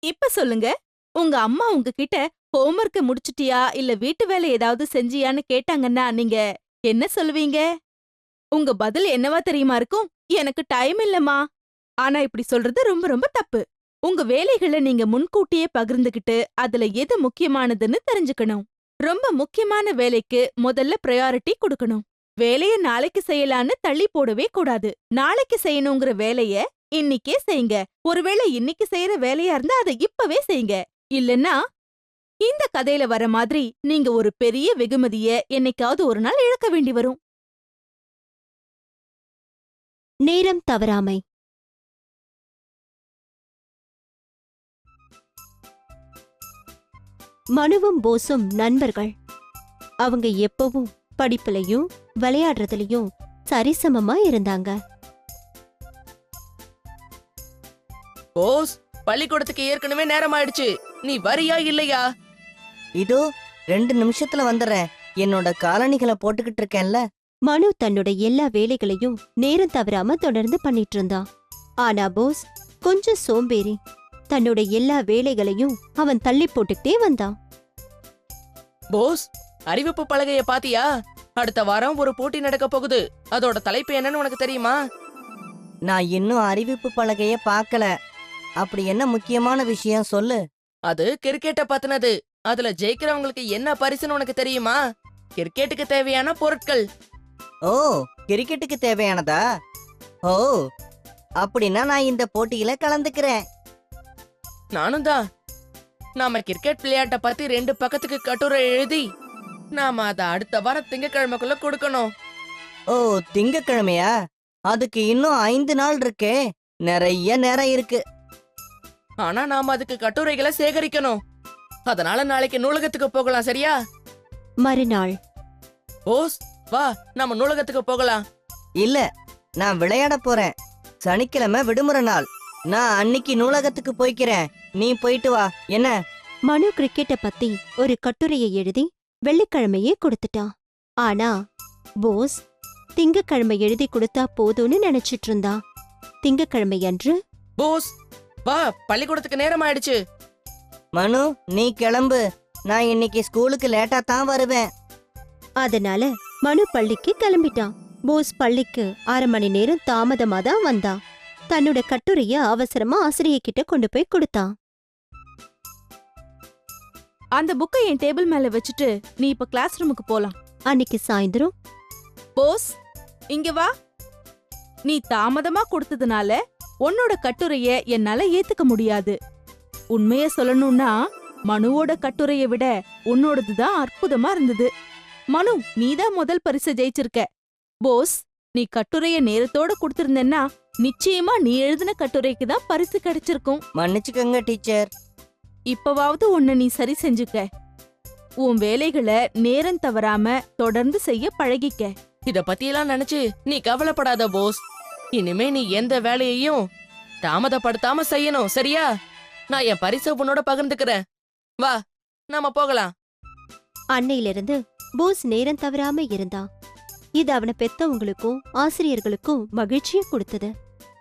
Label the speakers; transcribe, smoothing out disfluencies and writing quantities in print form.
Speaker 1: இப்ப சொல்லுங்க, உங்க அம்மா உங்ககிட்ட ஹோம்வொர்க்க முடிச்சிட்டியா இல்ல வீட்டு வேலை ஏதாவது செஞ்சியான்னு கேட்டாங்கன்னா நீங்க என்ன சொல்லுவீங்க? உங்க பதில் என்னவா தெரியுமா இருக்கும்? எனக்கு டைம் இல்லம்மா. ஆனா இப்படி சொல்றது ரொம்ப ரொம்ப தப்பு. உங்க வேலைகள நீங்க முன்கூட்டியே பகிர்ந்துகிட்டு, அதுல எது முக்கியமானதுன்னு தெரிஞ்சுக்கணும். ரொம்ப முக்கியமான வேலைக்கு முதல்ல பிரையாரிட்டி குடுக்கணும். வேலைய நாளைக்கு செய்யலான்னு தள்ளி போடவே கூடாது. நாளைக்கு செய்யணுங்கிற வேலைய இன்னிக்கே செய்யுங்க. ஒருவேளை இன்னிக்கு செய்யற வேலையா இருந்தா அத இப்பவே செய்யுங்க. இல்லன்னா, இந்த கதையில வர மாதிரி நீங்க ஒரு பெரிய வெகுமதிய என்னைக்காவது ஒரு நாள் இழக்க வேண்டி வரும்.
Speaker 2: நேரம் தவறாமை. மனுவும் போஸும் நண்பர்கள். அவங்க எப்பவும் படிப்புலயும் விளையாடுறதுலயும் சரிசமமா இருந்தாங்க.
Speaker 3: போஸ், பள்ளிக்கூடத்துக்கு ஏற்கனவே நேரம் ஆயிடுச்சு. நீ வரியா இல்லையா?
Speaker 4: இதோ 2 நிமிஷத்துல வந்துடுறேன். என்னோட காலணிகளை போட்டுக்கிட்டு இருக்கேன்ல.
Speaker 2: மனு தன்னோட எல்லா வேலைகளையும் நேரம் தவறாம தொடர்ந்து பண்ணிட்டு இருந்தான். ஆனா போஸ் கொஞ்சம் சோம்பேறி. தன்னோட எல்லா வேலைகளையும் அவன் தள்ளி போட்டுக்கிட்டே வந்தான்.
Speaker 3: போஸ், அறிவிப்பு பலகைய பாத்தியா? அடுத்த வாரம் ஒரு போட்டி நடக்க போகுது. அதோட தலைப்பு என்னன்னு உனக்கு தெரியுமா?
Speaker 4: நான் இன்னும் அறிவிப்பு பலகைய பார்க்கல. அப்படி என்ன முக்கியமான விஷயம் சொல்லு.
Speaker 3: அது கிரிக்கெட்ட பத்தினது. அதுல ஜெயிக்கிறவங்களுக்கு என்ன பரிசுன்னு உனக்கு தெரியுமா? கிரிக்கெட்டுக்கு தேவையான பொருட்கள்.
Speaker 4: ஓ, கிரிக்கெட்டுக்கு தேவையானதா? ஓ, அப்படின்னா நான் இந்த போட்டியில கலந்துக்கிறேன்.
Speaker 3: நானும் தான். நாம கிரிக்கெட் விளையாட்ட பத்தி 2 பக்கத்துக்கு கட்டுரை எழுதி நாம அத அடுத்த வாரம் திங்கக்கிழமைக்குள்ள கொடுக்கணும்.
Speaker 4: ஓ, திங்கக்கிழமையா? அதுக்கு இன்னும் 5 நாள் இருக்கே. நிறைய நேரம் இருக்கு.
Speaker 3: ஆனா நாம அதுக்கு கட்டுரைகளை சேகரிக்கணும். அதனால நாளைக்கு நூலகத்துக்கு போகலாம், சரியா?
Speaker 2: மறுநாள்.
Speaker 3: போஸ், வா, நாம நூலகத்துக்கு போகலாம்.
Speaker 4: இல்ல, நான் விளையாட போறேன். சனிக்கிழமை விடுமுறை நாள். நான் அன்னைக்கு நூலகத்துக்கு போய்க்கிறேன். நீ போயிட்டு வா. என்ன?
Speaker 2: மனு கிரிக்கெட்ட பத்தி ஒரு கட்டுரையை எழுதி வெள்ளிக்கிழமையே கொடுத்துட்டான். ஆனா போஸ் திங்கக்கிழமை எழுதி கொடுத்தா போதும்னு நினைச்சிட்டு இருந்தான். திங்கக்கிழமை அன்று
Speaker 3: போஸ், வா, பள்ளிக்கூடத்துக்கு நேரம் ஆயிடுச்சு.
Speaker 4: மனு, நீ கிளம்பு. நான் இன்னைக்கு ஸ்கூலுக்கு லேட்டா தான் வருவேன்.
Speaker 2: அதனால மனு பள்ளிக்கு கிளம்பிட்டான். போஸ் பள்ளிக்கு 1/2 மணி நேரம் தாமதமா தான் வந்தான். தன்னோட கட்டுரைய அவசரமா ஆசிரியர்கிட்ட கொண்டு போய் கொடுத்தான்.
Speaker 1: அந்த புக்கை என் டேபிள் மேல வச்சுட்டு நீ இப்ப கிளாஸ் ரூமுக்கு போலாம்.
Speaker 2: அன்னைக்கு சாயந்தரம்
Speaker 1: போஸ், இங்க வா. நீ தாமதமா கொடுத்ததுனால உன்னோட கட்டுரைய என்னால ஏத்துக்க முடியாது. உண்மைய சொல்லணும்னா மனுவோட கட்டுரைய விட உன்னோடதுதான் அற்புதமா இருந்தது. மனு, நீதான் முதல் பரிசு ஜெயிச்சிருக்க. போஸ், நீ கட்டுரைய நேரத்தோட கொடுத்திருந்தேன்னா நிச்சயமா நீ எழுதின கட்டுரைக்கு தான் பரிசு கிடைச்சிருக்கும்.
Speaker 4: மன்னிச்சுக்கங்க டீச்சர்.
Speaker 1: இப்பவாவது உன்னை நீ சரி செஞ்சுக்க. உன் வேலைகளை நேரம் தவறாம தொடர்ந்து செய்ய பழகிக்க.
Speaker 3: இத பத்தியெல்லாம் நினைச்சு நீ கவலைப்படாத போஸ். இனிமே நீ எந்த வேலையையும் தாமதப்படுத்தாம செய்யணும், சரியா? நான் என் பரிசை உன்னோட பகிர்ந்துக்கிறேன். வா, நாம போகலாம்.
Speaker 2: அன்னையிலிருந்து போஸ் நேரம் தவறாம இருந்தான். இது அவனை பெத்தவங்களுக்கும் ஆசிரியர்களுக்கும் மகிழ்ச்சியை கொடுத்தது.